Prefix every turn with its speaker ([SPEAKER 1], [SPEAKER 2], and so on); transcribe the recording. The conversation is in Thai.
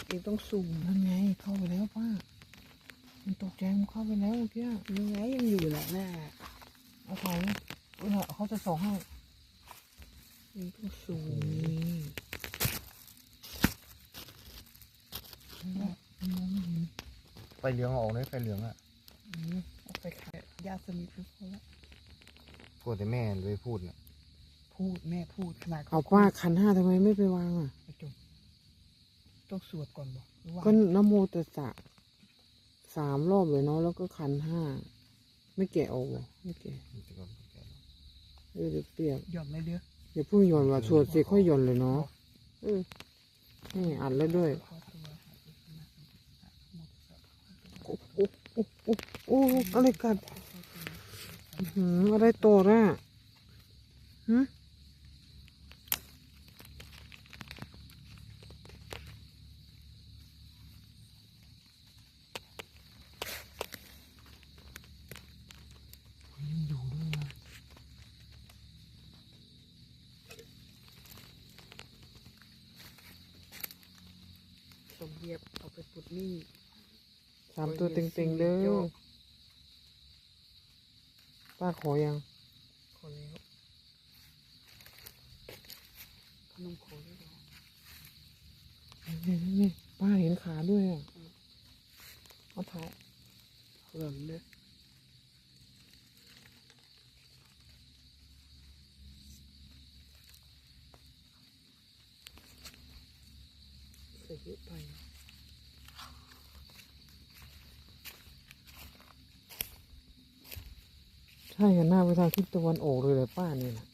[SPEAKER 1] เองต้องซูม
[SPEAKER 2] นั่นไงเข้าไปแล้วป้ามันตกใจมันเข้าไปแล้วเมื่อกี้
[SPEAKER 1] ยังไงยังอยู่แหละหน้า
[SPEAKER 2] เอาถ่ายนะเขาจะส่องให้
[SPEAKER 1] เองต้องซูม
[SPEAKER 3] ไฟเหลืองออกเลยไฟเหลืองอ่ะ
[SPEAKER 1] เอาไปขายยาสมิทไปพอละ
[SPEAKER 3] พูดแต่แม่เลยพูดน่ะ
[SPEAKER 1] พูดแม่พูดขนาด
[SPEAKER 2] เอาป้าขันห้าทำไมไม่ไปวางอ่ะ
[SPEAKER 1] ไอ้จุ๊บต้องสวดก่อนบอกหรือว่า
[SPEAKER 2] ก็นะโมตัสสะ3 รอบเลยเนาะแล้วก็ขันห้าไม่แกะออกเหรอไม่แกะเดี๋ยวเปรียบ
[SPEAKER 1] หย่อนเลยเด้อ
[SPEAKER 2] อย่าเพิ่งหย่อนว่าสวดเสร็จค่อยหย่อนเลยเนาะนี่อัดแล้วด้วยโอ้โอ้โอ้โอ้อะไรกัดอะไรโตน่ะฮะยังอยู่ด้วยนะ
[SPEAKER 1] สมเดียบเอาไปปุดนี่
[SPEAKER 2] 3 ตัวเต็งๆเด้อป้าขอยัง
[SPEAKER 1] ขอแล้วพนมขอด้วยเหรอ
[SPEAKER 2] นี่ป้าเห็นขาด้วยอ่ะเอาถ่าย
[SPEAKER 1] หล่นเลยใส่เยอะไป
[SPEAKER 2] ใช่หันหน้าไปทางทิศตะวันออกเลยเลยป้านี่นะ